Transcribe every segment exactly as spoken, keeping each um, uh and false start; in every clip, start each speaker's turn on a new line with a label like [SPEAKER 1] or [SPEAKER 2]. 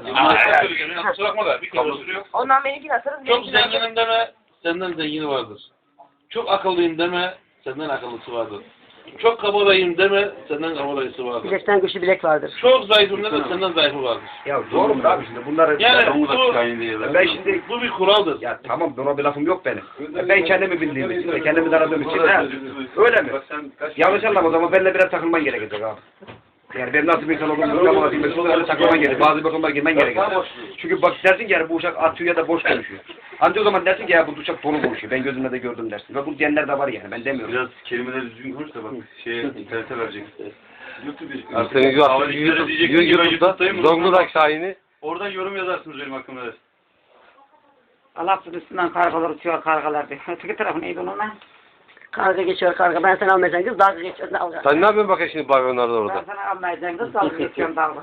[SPEAKER 1] Kusura bakma da bir kere sürüyor.
[SPEAKER 2] Ondan benimkini atarız.
[SPEAKER 1] Çok zenginim deme, senden zengini vardır. Çok akıllıyım deme, senden akıllısı vardır. Çok kabadayım deme, senden kabadayısı vardır.
[SPEAKER 3] Bilekten güçlü bilek vardır.
[SPEAKER 1] Çok zayıfım deme, senden zayıfı vardır.
[SPEAKER 4] Ya doğru mu abi şimdi bunları...
[SPEAKER 1] Yani bu,
[SPEAKER 4] ben şimdi...
[SPEAKER 1] bu bir kuraldır.
[SPEAKER 4] Ya tamam buna bir lafım yok benim. Ben kendimi bildiğim için ve kendimi tanıdığım için ha, öyle mi? Yanlış anlama o zaman benimle biraz takılman gerekecek abi. Yani benim nasıl bir insan olduğumu anlamak için öyle takılman gerekecek. Bazı bakımlar girmen gerekecek. Çünkü bak dersin ki yani bu uşak atıyor ya da boş konuşuyor. Ancak o zaman dersin ki ya bu uşak dolu konuşuyor. Ben gözümle de gördüm dersin. Ve bu diyenler de var yani ben demiyorum.
[SPEAKER 5] Biraz kelimeleri düzgün konuş da bak şeye internete verecek. YouTube
[SPEAKER 6] Arsene YouTube'da Zonguldak Şahin'i.
[SPEAKER 5] Oradan yorum yazarsınız benim hakkımda.
[SPEAKER 7] Allah'ın üstünden kargalar uçuyor kargalar diyor. Öteki tarafı neydi onun lan?
[SPEAKER 3] Karga geçiyor karga. Ben seni almayacağım kız. Dalga geçiyor. Dalga.
[SPEAKER 6] Sen ne yapıyorsun bakayım şimdi pavyonlarda
[SPEAKER 7] Ben
[SPEAKER 6] orada?
[SPEAKER 7] sana almayacağım kız dalga geçiyorum dalga.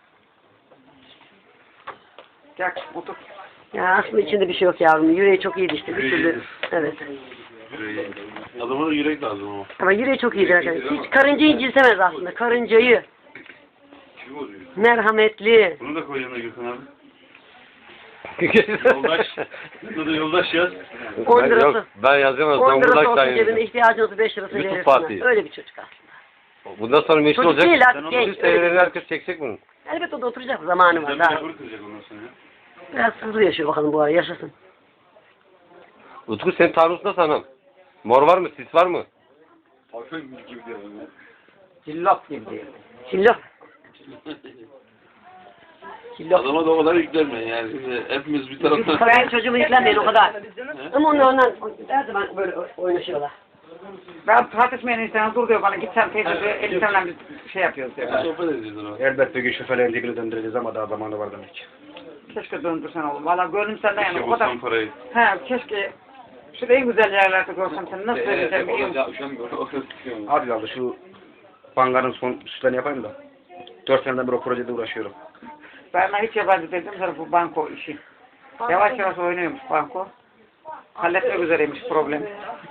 [SPEAKER 7] Gel otur.
[SPEAKER 3] Ya aslında içinde bir şey yok yavrum. Yüreği çok iyiydi işte. Bir türlü. Evet.
[SPEAKER 1] Adama da yürek lazım ama.
[SPEAKER 3] Ama yüreği çok iyidir arkadaşlar. Hiç karıncayı incitemez aslında. Karıncayı. Merhametli.
[SPEAKER 5] Bunu da koy yanına Gülkan abi. Yoldaş. Burada da yoldaş yaz.
[SPEAKER 3] on
[SPEAKER 6] Ben,
[SPEAKER 3] lirası.
[SPEAKER 6] yok, ben yazamam.
[SPEAKER 3] on lirası
[SPEAKER 6] Zonguldak
[SPEAKER 3] olsun cebinde
[SPEAKER 6] Şahin'i.
[SPEAKER 3] ihtiyacın olsa beş lirası
[SPEAKER 6] YouTube
[SPEAKER 3] verirsin.
[SPEAKER 6] Fatih.
[SPEAKER 3] Öyle bir çocuk aslında.
[SPEAKER 6] Bundan sonra meşhur
[SPEAKER 3] Çocuk
[SPEAKER 6] olacak.
[SPEAKER 3] değil artık
[SPEAKER 6] Sen
[SPEAKER 3] genç.
[SPEAKER 6] onu seyirlerini herkes çekecek bunu.
[SPEAKER 3] Elbet o da oturacak. Zamanı var
[SPEAKER 5] Sen bir
[SPEAKER 3] daha.
[SPEAKER 5] rekoru kıracak ondan sonra ya.
[SPEAKER 3] Biraz hızlı yaşıyor bakalım bu ara. Yaşasın.
[SPEAKER 6] Utku senin taarruz nasıl anam? Mor var mı? Sis var mı?
[SPEAKER 7] Cillop gibi diyor.
[SPEAKER 3] Killop. Killop.
[SPEAKER 1] Adama da o kadar yüklenme yani. Şimdi hepimiz bir taraftan...
[SPEAKER 3] Ben çocuğumu yüklenmeyin o kadar. Ama onlar ondan her zaman böyle oynaşıyorlar.
[SPEAKER 7] Ben tartışmayan insana dur diyor bana git sen teyze diyor. Elif'le bir şey yapıyoruz diyor.
[SPEAKER 1] Sohbet edeceğiz ona.
[SPEAKER 4] Elbette ki şoförlerin dibini döndüreceğiz ama daha zamanı var demek.
[SPEAKER 7] Keşke döndürsen oğlum. Valla gönlüm senden yani
[SPEAKER 5] Keşke
[SPEAKER 7] o kadar.
[SPEAKER 5] bulsam parayı.
[SPEAKER 7] He keşke. Şurada en güzel yerlerde görsem seni nasıl söyleyeceğim biliyor musun?
[SPEAKER 4] Hadi aldı şu bankanın son süslerini yapayım da. Dört seneden beri o projede uğraşıyorum.
[SPEAKER 7] Ben ona hiç yabancı dedim sana bu banko işi. Yavaş yavaş oynuyormuş banko. Halletmek üzereymiş problemi.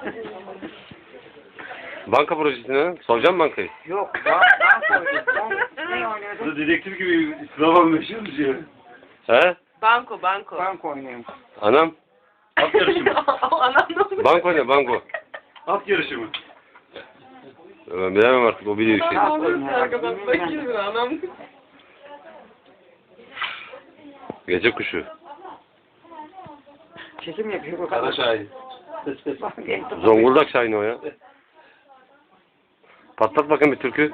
[SPEAKER 6] Banka projesine soracağım bankayı.
[SPEAKER 7] Yok ba banko oynuyorsun. Ne oynuyordun?
[SPEAKER 5] Burada dedektif gibi sıravan meşhur diyor.
[SPEAKER 6] He?
[SPEAKER 2] Banko, banko.
[SPEAKER 7] Banko oynuyormuş.
[SPEAKER 6] Anam.
[SPEAKER 5] At yarışı mı?
[SPEAKER 2] Anam ne oluyor?
[SPEAKER 6] Banko ne banko?
[SPEAKER 5] At yarışı mı?
[SPEAKER 6] Ben bilemem artık o biliyor işte.
[SPEAKER 2] Anam arkadan bakıyor anam.
[SPEAKER 6] Gece kuşu.
[SPEAKER 7] Çekim yapıyor bu
[SPEAKER 1] Kara
[SPEAKER 7] kadar.
[SPEAKER 1] şahin.
[SPEAKER 6] Zonguldak Şahin'i o ya. Patlat bakayım bir türkü.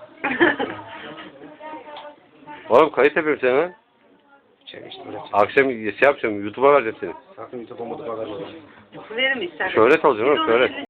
[SPEAKER 6] Oğlum kayıt yapıyorum seni ha.
[SPEAKER 4] Çek işte böyle.
[SPEAKER 6] Akşam şey yapacağım, YouTube'a vereceğim seni.
[SPEAKER 4] Sakın YouTube olmadı bakar.
[SPEAKER 2] Verim istersen.
[SPEAKER 6] Şöhret olacaksın oğlum, şöhret.